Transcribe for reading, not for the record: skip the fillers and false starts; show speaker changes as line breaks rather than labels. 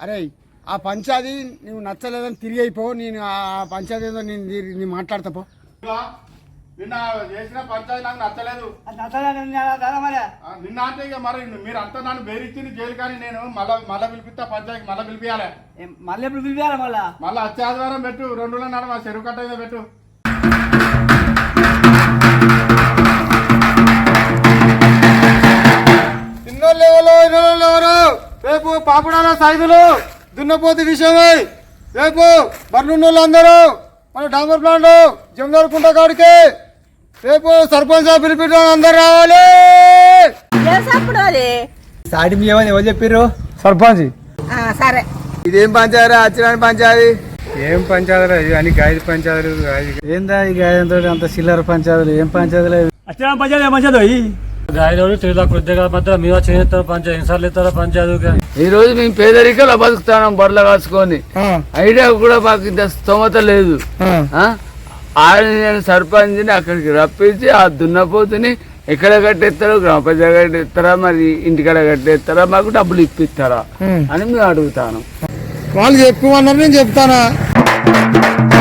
అరే ఆ పంచాది నువ్వు నచ్చలేదని తిరిగి అయిపో. నేను ఆ పంచాది ఏదో నేను మాట్లాడతాపో.
నిన్న చేసిన పంచాయతీ నాకు నచ్చలేదు. నిన్న అంటే ఇక మరి మీరు అంతా నన్ను బేరిచ్చింది జైలు. కానీ నేను మళ్ళా పిలిపిస్తా పంచాయతీ. మళ్ళీ పిలిపియాలి.
మళ్ళీ ఎప్పుడు పిలిపియాలి?
మళ్ళీ వచ్చే ఆదివారం పెట్టు. 2 రోజుల నాడు మా చెరువు కట్ట మీద పెట్టు.
ఎవరు రేపు పాపడాల సైదులు దున్నపోతు విషయమై రేపు బర్నున్నోళ్ళు అందరూ మన డాంబర్ ప్లాంట్ జమదార్ కుంట కాడికి రేపు సర్పంచ్ పిలిపించడం అందరు రావాలి.
సాటి మీ ఏమని ఎవరు చెప్పారు?
సర్పంచ్.
సరే
ఇదేం పంచాయతీ? అచ్చిరాని పంచాయతీ.
ఏం పంచాయతీలు ఇవి అని గాయలు పంచాయతీలు ఏందా? ఈ గాయంతో అంత చిల్లర పంచాయతీలు ఏం పంచాయతీలు? అచ్చిరాని పంచాయతీ ఏం పంచాయతీ? గాయలు తిరుగుతా కొద్దిగా మధ్య మీద చేస్తారు పంచాయతీ ఎన్నిసార్లు ఇస్తారా పంచాయతీ?
ఈ రోజు మేము పేదరికలో బతుకుతాం బొర్ల కాసుకొని. ఐడియా కూడా మాకు ఇంత స్తోమత లేదు. నేను సర్పంచ్ని అక్కడికి రప్పించి ఆ దున్నపోతుని ఎక్కడ కట్టేస్తారో గ్రామ ప్రజలు కట్టేస్తారా మరి ఇంటికాడ కట్టేస్తారా మాకు డబ్బులు ఇప్పిస్తారా అని మేము అడుగుతాను.
వాళ్ళు చెప్పుకోమన్నారు, నేను చెప్తానా.